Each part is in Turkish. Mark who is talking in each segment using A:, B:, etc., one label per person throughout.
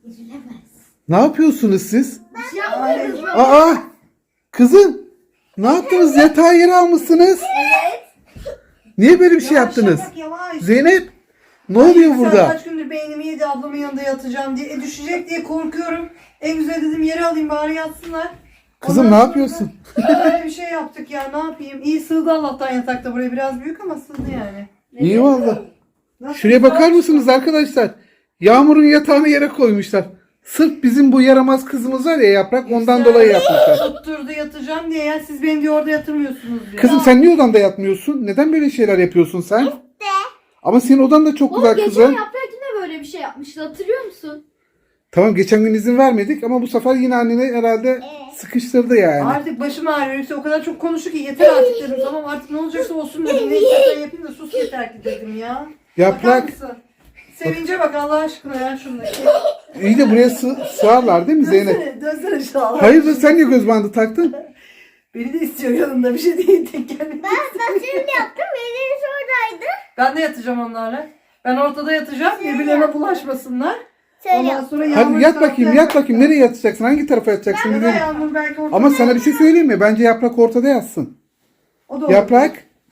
A: Üzülemez.
B: Ne yapıyorsunuz siz?
A: Yapmıyoruz.
B: Aa! Kızım! Ne yaptınız? Yatağı yere almışsınız.
A: Evet.
B: Niye böyle bir şey yaptınız?
C: Yavaş, yavaş.
B: Zeynep! Ne oluyor
C: Sen
B: burada?
C: kaç gündür beynimi yedi, ablamın yanında yatacağım diye. Düşecek diye korkuyorum. En güzel dedim yere alayım bari yatsınlar.
B: Kızım
C: Ondan
B: ne
C: sonra
B: yapıyorsun?
C: da Böyle bir şey yaptık ya, ne yapayım. İyi sığdı Allah'tan yatakta, buraya biraz büyük ama sığdı yani.
B: İyi valla.
C: Nasıl
B: Şuraya bakar
C: güzel.
B: mısınız arkadaşlar? Yağmur'un yatağını yere koymuşlar. Sırf bizim bu yaramaz kızımız var ya Yaprak, ondan
C: Güzel.
B: dolayı yapmışlar.
C: Tutturdu yatacağım diye ya, siz beni diyor orada yatırmıyorsunuz diyor.
B: Kızım sen niye odanda yatmıyorsun? Neden böyle şeyler yapıyorsun sen? Ama senin odan da çok
A: Oğlum
B: güzel
A: geçen
B: kızım.
A: Yaprak yine böyle bir şey yapmıştı, hatırlıyor musun?
B: Tamam, geçen gün izin vermedik ama bu sefer yine annene herhalde sıkıştırdı yani.
C: Artık başım ağrıyor. Yüksel o kadar çok konuştu ki yeter artık dedim. Tamam artık ne olacaksa olsun dedim. Ne istersen yapayım da sus yeter ki dedim ya.
B: Yaprak.
C: Bakar mısın? Sevince bak Allah aşkına ya şundaki.
B: İyi de buraya sığarlar değil mi Zeynep?
C: Dönsene şu Allah.
B: Hayırdır, sen niye göz bandı taktın?
C: Beni de istiyor yanında, bir şey değil tek gelmek.
A: Saçını yaptım, elleri oradaydı.
C: Ben de yatacağım onlarla. Ben ortada yatacağım. Birbirlerine bulaşmasınlar.
A: Şöyle
C: Ondan
A: yaptım.
C: sonra Yağmur
B: Hadi yat bakayım,
C: saatler
B: yat bakayım. Nereye yatacaksın? Hangi tarafa yatacaksın?
C: Ya da
B: Bilelim.
C: Yağmur belki ortada.
B: Ama sana bir şey söyleyeyim mi? Bence Yaprak ortada yatsın.
C: O da olur.
B: Yaprak.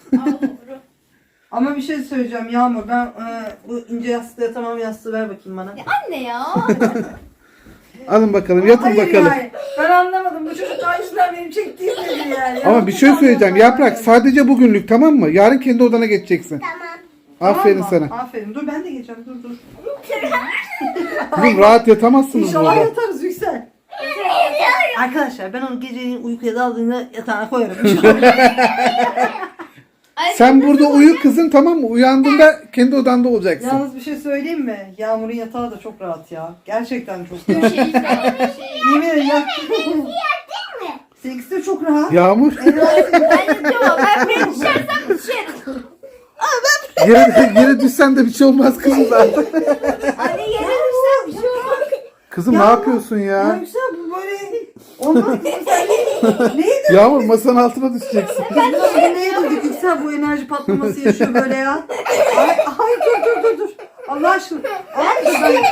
C: Ama bir şey söyleyeceğim Yağmur. Ben bu ince yastığı yatamam, yastığı ver bakayım bana.
A: Anne ya.
B: Alın bakalım, yatın
C: Hayır
B: bakalım.
C: yani. Ben anlamadım. Bu çocuk daha yüzünden benim çektiğim nedir yani.
B: Ama bir şey söyleyeceğim. Yaprak sadece bugünlük, tamam mı? Yarın kendi odana geçeceksin.
C: Tamam
B: Aferin
C: mı?
B: sana.
C: Aferin. Dur ben de geçeceğim. Dur dur.
B: Kızım rahat yatamazsınız
C: İnşallah
B: burada.
C: yatarız Yüksel. Arkadaşlar ben onu geceliğin uykuya daldığında yatağına koyarım. İnşallah.
B: Sen burada uyu kızım, tamam mı? Uyandığında kendi odanda olacaksın.
C: Yalnız bir şey söyleyeyim mi? Yağmur'un yatağı da çok rahat ya. Gerçekten çok
A: Bir
C: rahat.
A: şey şey.
C: Yemin ederim ya. Seninkisi de çok rahat.
B: Yağmur.
C: En rahat senin.
A: Ben yatıyorum. Ben bir düşersem düşerim.
B: Yere düşsen de bir şey olmaz kızım zaten.
A: Anne yere düşsem bir şey olmaz.
B: Kızım
C: Ya,
B: ne yapıyorsun
C: Ya
B: ya?
C: Yüksel bu böyle... Olmaz. Sen neydi?
B: Yağmur masanın altına düşeceksin.
C: Biz bugün neye durduk Yüksel, bu enerji patlaması yaşıyor böyle ya. Ay dur. Allah aşkına. Ay dur ben...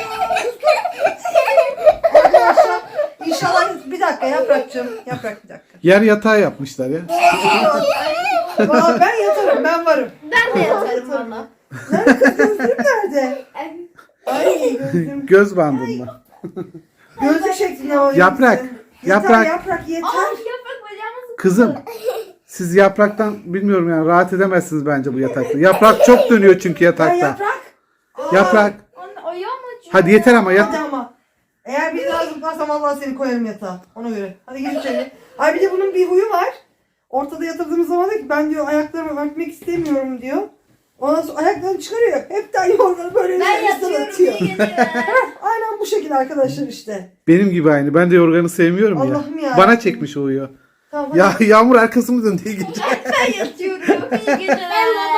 C: Arkadaşlar inşallah bir dakika Yaprak'cığım. Yaprak bir dakika.
B: Yer yatağı yapmışlar ya.
C: Valla ben yatarım, ben varım.
A: Ben de yatarım valla.
C: Nerede kız, gözlüğüm nerede? Ay gözlüğüm.
B: Göz bandında.
C: Gözlük şeklinde o.
B: Yaprak,
C: Yeter,
B: yaprak.
C: yeter.
A: Aa yaprak bacağımı
B: Kızım, siz Yaprak'tan bilmiyorum yani rahat edemezsiniz bence bu yatakta. Yaprak çok dönüyor çünkü
C: Ben
B: yatakta.
C: Yaprak.
B: Yaprak.
A: Anne ayağım acıyor.
B: Hadi yeter ama yat.
C: Hadi ama. Eğer bir daha zıplarsam Allah seni koyarım yatağa. Ona göre. Hadi gir içeri. Ay bir de bunun bir huyu var. Ortada yatırdığımız zaman diyor ki ben diyor ayaklarımı örtmek istemiyorum diyor. Ondan sonra ayaklarını çıkarıyor. Hep de yorganı böyle
A: Ben
C: üstüne
A: yatıyorum
C: atıyor.
A: iyi geceler.
C: Aynen bu şekilde arkadaşlar işte.
B: Benim gibi aynı. Ben de yorganı sevmiyorum ya.
C: Allah'ım ya.
B: Bana çekmiş uyuyor.
C: Tamam hadi.
B: Ya Yağmur arkasını döndü iyi gece.
A: Ben yatıyorum iyi geceler.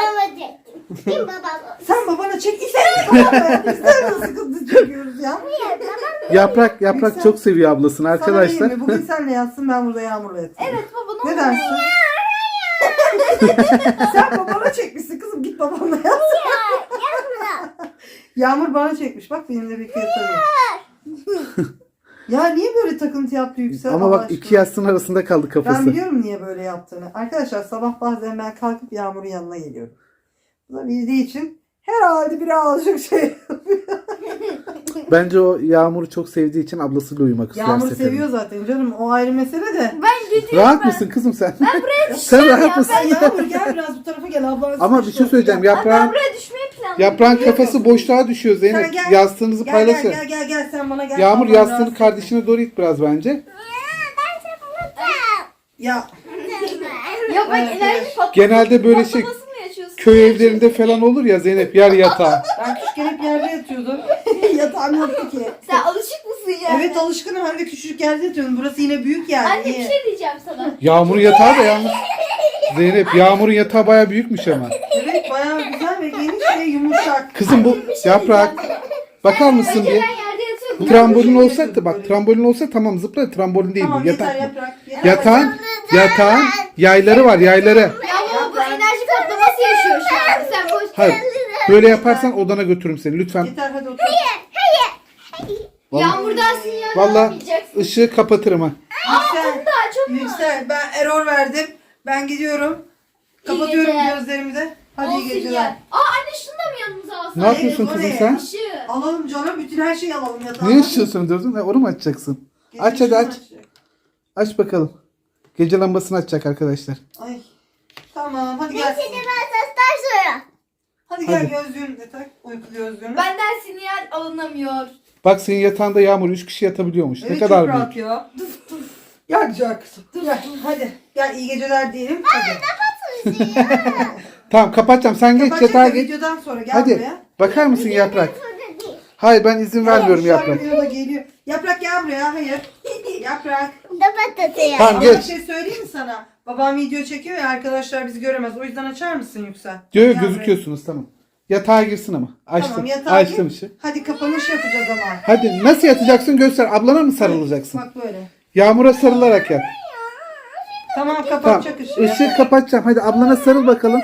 C: Sen babana çek. İster babana. İster mi sıkıntı çekiyoruz ya?
B: Yaprak
C: Yüksel.
B: çok seviyor ablasını
C: Sana
B: arkadaşlar.
C: diyeyim mi? Bugün senle yatsın, ben burada Yağmur'la yatayım.
A: Evet baba ne
C: Ne
A: olur.
C: dersin? Sen babana çekmişsin kızım, git babanla yat. Yağmur bana çekmiş, bak benimle birlikte yatamıyor. Ya niye böyle takıntı yaptı Yüksel?
B: Ama
C: Allah
B: bak
C: aşkına?
B: iki yastığın arasında kaldı
C: Ben
B: kafası.
C: biliyorum niye böyle yaptığını. Arkadaşlar sabah bazen ben kalkıp Yağmur'un yanına geliyorum. Bu da bildiği için herhalde biri alacak şey.
B: Bence o Yağmur'u çok sevdiği için ablasıyla uyumak istiyor. her
C: Yağmur
B: seferinde.
C: seviyor zaten canım, o ayrı mesele de.
A: Ben gidiyorum
B: Rahat
A: ben.
B: mısın kızım sen?
A: Buraya
B: Sen rahat
A: ya,
B: mısın?
C: Ay Yağmur gel biraz bu tarafa gel, ablan.
B: Ama bir şey söyleyeceğim.
A: Ben
B: Yaprağın
A: buraya düşmeyi planlıyorum.
B: Yaprağın kafası boşluğa düşüyor
C: Sen
B: Zeynep.
C: gel.
B: Yastığınızı
C: Gel
B: paylaşın.
C: gel sen bana gel.
B: Yağmur
C: Ablan
B: yastığını
C: rahatsız
B: kardeşine doğru it biraz bence.
C: etme. Ya
A: Ya bak
C: Evet,
A: enerji
C: evet.
A: patlaması.
B: Genelde böyle şey
A: patlaması mı yaşıyorsun?
B: köy evlerinde falan olur ya Zeynep, yer yatağı.
C: ben küçükken hep yerde yatıyordum. Yatağım yoktu ki.
A: Sen alışık mısın yani?
C: Evet alışkınım, hem de küçücük yerde yatıyorum. Burası yine büyük yani.
A: Anne bir
C: Niye?
A: şey diyeceğim sana.
B: Yağmur'un yatağı da yalnız. Zeynep, Yağmur'un yatağı bayağı büyükmüş ama.
C: Evet bayağı güzel ve geniş ve yumuşak.
B: Kızım bu Yaprak. Bakar mısın
A: Önce
B: bir?
A: ben yerde yatıyorum.
B: Bu trambolin olsa da bak, trambolin olsa tamam zıpla, trambolin değil
C: Tamam
B: bu.
C: yeter
B: Yatak.
C: yaprak. Yeter.
B: Yatağın yayları var, yayları.
A: Ya baba bu enerji patlaması yaşıyor şu an. Sen boş
B: Hayır. Böyle yaparsan odana götürürüm seni lütfen.
C: Yeter hadi otur.
A: Yağmurdan sinyal
B: Vallahi
A: alamayacaksın.
B: ışığı kapatırım ha.
C: Yüksel.
A: Daha çok mu?
C: Yüksel. Ben error verdim. Ben gidiyorum. Kapatıyorum
A: geceler.
C: gözlerimi de. Hadi iyi
A: Olsun
C: geceler.
A: ya. Anne şunu da mı yanımıza alsın?
B: Ne yapıyorsun
C: o
B: kızım
C: ne?
B: sen?
A: Işığı.
C: Alalım canım. Bütün her şeyi alalım yatağa.
B: Niye ışığı söndürdün? Onu mu açacaksın?
C: Gece
B: Aç hadi
C: ışığını
B: aç.
C: açacak.
B: Aç bakalım. Gece lambasını açacak arkadaşlar.
C: Ay. Tamam hadi gel. Hadi gel
B: Hadi.
C: gözlüğünü de tak. Uyku gözlüğünü.
A: Benden sinyal alınamıyor.
B: Bak senin yatağında Yağmur 3 kişi yatabiliyormuş.
C: Evet,
B: Ne kadar
C: çok
B: büyük.
C: rahat ya. Gel güzel kızım. Gel hadi. Gel iyi geceler diyelim. Hadi.
B: Tamam kapatacağım. Sen geç
C: Kapatacak
B: yatağa
C: da
B: geç.
C: videodan sonra gel
B: Hadi.
C: buraya.
B: Bakar mısın Yaprak? Hayır ben izin vermiyorum
C: Şu an
B: Yaprak.
C: videoda geliyor. Yaprak gel buraya. Hayır. Yaprak.
B: Tamam
C: Ama
B: geç.
C: bir şey söyleyeyim mi sana? Babam video çekiyor ya arkadaşlar bizi göremez. O yüzden açar mısın Yüksel?
B: Diyor
C: Gel
B: gözüküyorsunuz tamam. Yatağa girsin ama.
C: buraya.
B: Açtım.
C: Tamam yatağa
B: Açtım
C: gir.
B: işi.
C: Hadi kapanış yapacağız ama.
B: Hadi nasıl yatacaksın göster. Ablana mı sarılacaksın?
C: Bak böyle.
B: Yağmura sarılarak yat.
C: Tamam
B: Tamam.
C: kapatacak ışığı.
B: Işığı kapatacağım. Hadi ablana sarıl bakalım.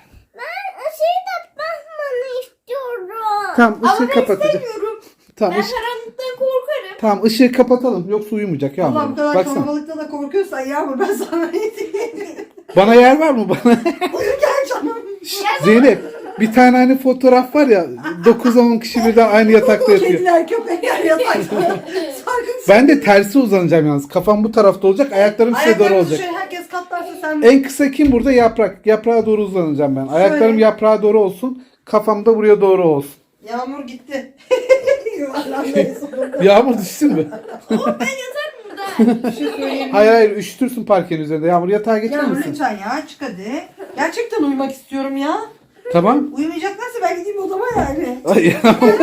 B: Tamam
A: Ama
B: ışığı
A: ben
B: kapatacağım.
A: istemiyorum.
B: Tamam,
A: Ben
B: ışığı,
A: karanlıktan korkarım.
B: tamam ışığı kapatalım. Yoksa uyumayacak
C: Allah bu
B: Yağmur.
C: kadar
B: Baksana.
C: kalabalıkta da korkuyorsan Yağmur ben sana ne diyeyim?
B: Bana yer var mı bana?
C: Uyu gel canım.
B: Zeynep bir tane hani fotoğraf var ya 9-10 kişi birden aynı yatakta yatıyor.
C: Kediler köpekler yatakta. Sarkın.
B: Ben de tersi uzanacağım yalnız. Kafam bu tarafta olacak, ayaklarım size doğru
C: Ayaklarımızı
B: olacak.
C: şöyle herkes katlarsa sen
B: En kısa kim burada? Yaprak. Yaprağa doğru uzanacağım ben. Ayaklarım
C: Şöyle.
B: yaprağa doğru olsun. Kafam da buraya doğru olsun.
C: Yağmur gitti. Yuvarlanmayı sonunda.
B: Yağmur düşsün mü?
A: Burada.
C: Bir şey söyleyeyim.
B: Hayır hayır üşütürsün parkenin üzerinde. Yağmur yatağa geçer
C: Yağmur
B: misin?
C: lütfen ya çık hadi. Gerçekten uyumak istiyorum ya.
B: Tamam.
C: Uyumayacaklarsa ben gideyim odama yani.
B: Ay, Yağmur.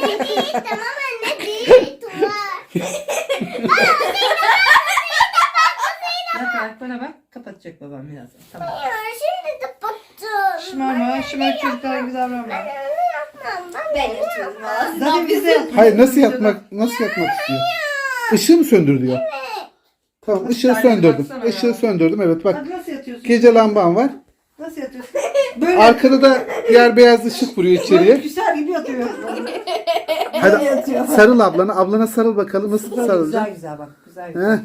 C: Yaprak bana bak. Kapatacak babam birazdan. Tamam. Şımarma. Şımar çocuklar gibi davranma.
A: Ben yatıyorum.
C: Zaten biz de yapıyoruz.
B: Hayır nasıl yatmak istiyor? Işığı mı söndür diyor. Tamam ışığı
C: Hadi
B: söndürdüm.
C: baksana ya.
B: Işığı söndürdüm evet bak.
C: Hadi nasıl yatıyorsun?
B: Gece lambam var.
C: Nasıl yatıyorsun? Böyle
B: Arkada da yer beyaz ışık vuruyor içeriye.
C: Güzel gibi yatıyor.
B: Hadi
C: yatıyor.
B: sarıl ablana. Ablana sarıl bakalım nasıl sarılacak.
C: Güzel güzel bak. Güzel
B: Heh.
C: güzel.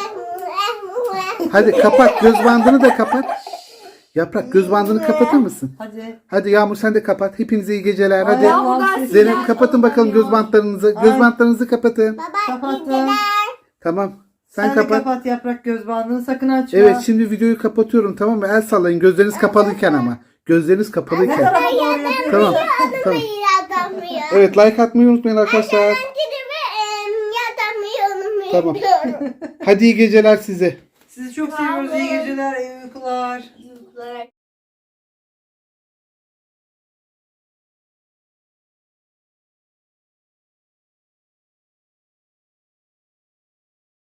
B: Hadi kapat göz bandını da kapat. Yaprak göz bandını kapatır mısın?
C: Hadi.
B: Hadi Yağmur sen de kapat. Hepinize iyi geceler. Hadi.
A: Yağmurdan
B: Zeynep
A: sinyal
B: kapatın bakalım göz
A: alamıyor.
B: bantlarınızı. Göz bantlarınızı kapatın.
C: Kapattım.
B: Tamam.
C: Sen
B: Sen
C: de
B: kapat.
C: kapat yaprak göz bandını sakın açma.
B: Evet şimdi videoyu kapatıyorum tamam mı? El sallayın gözleriniz kapalıyken ama. Gözleriniz
C: Ne
B: kapalıyken.
C: tarafa doğru yapıyorsun?
B: Tamam. Tamam. Evet like atmayı unutmayın arkadaşlar. Tamam. Hadi iyi geceler size.
C: Sizi çok seviyoruz. İyi geceler, iyi uykular.
A: Çocuklar.